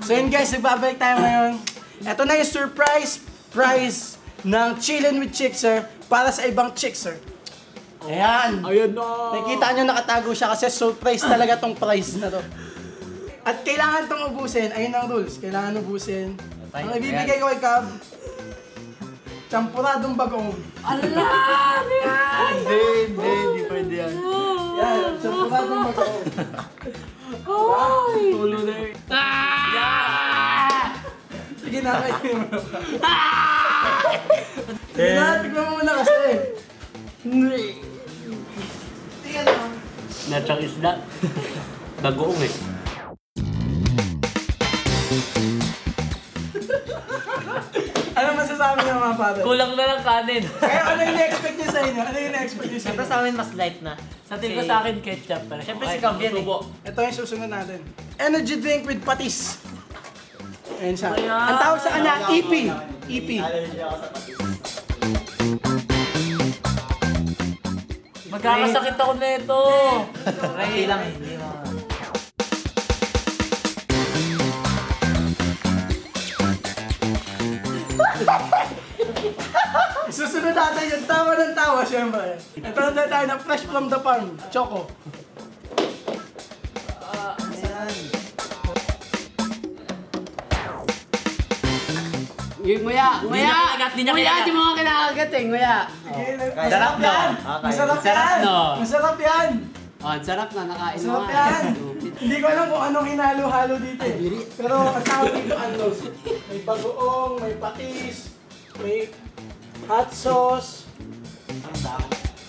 So yun guys, nagbabalik tayo ngayon. Ito na yung surprise prize ng Chillin' with Chickser para sa ibang Chickser. Ayan. Ayan na. Nakikita nyo nakatago siya kasi surprise talaga tong prize na to. At kailangan tong ubusin. Ayun ang rules. Kailangan ubusin. Ang ibibigay ko kay Cab, champuradong bagong. Allah! Hindi pwede yan. Yan, champuradong bagong. Ay! Tulo na yun. Sige na, kayo mo. Sige na, tignan mo muna kasi. Tingnan mo. Natsang isda. Bagoong eh. Ano masasabi niyo mga father? Kulang na lang kanin. Kaya ano yung na-expect niyo sa inyo? Ano yung na-expect niyo sa Siyempre inyo? sa amin mas light na. Sa tingin ko sa akin ketchup. Pero siyempre si Cam yan eh. Ito yung susunod natin. Energy drink with patis. Ayan siya. Ayan. Ang tawag sa kanya, EP. EP. Magkakasakit ako na ito. Hindi lang eh. Hindi mo. Susunod natin yung tawa ng tawa, syempre. Ito na tayo na fresh from the farm. Choco. Nguya! Nguya! Di niya Nguya! kinagat. Di mo nga kinakagat eh, nguya! Masarap yan! Masarap Sarap, yan! no? Masarap yan! Oh, ang sarap na, nakain mo Masarap nga. yan! Hindi ko alam kung anong hinalo-halo dito eh. Pero ang tawag dito ano, may bagoong, may patis, may hot sauce. Ang dami.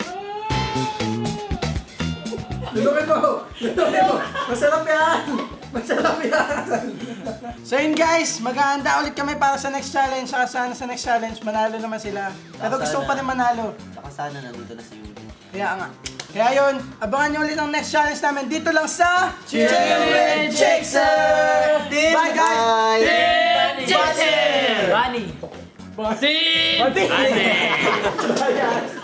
Lulukin mo! Lulukin mo! Masarap yan! Masarap yan! So yun guys, maghahanda ulit kami para sa next challenge. Saka sana sa next challenge, manalo naman sila. Pero gusto ko pa rin manalo. Saka sana nandito na si Yuri. Kaya nga. Kaya yun, abangan nyo ulit ang next challenge namin dito lang sa Chillin' with Chickser! Bye guys! Bunny! Bye!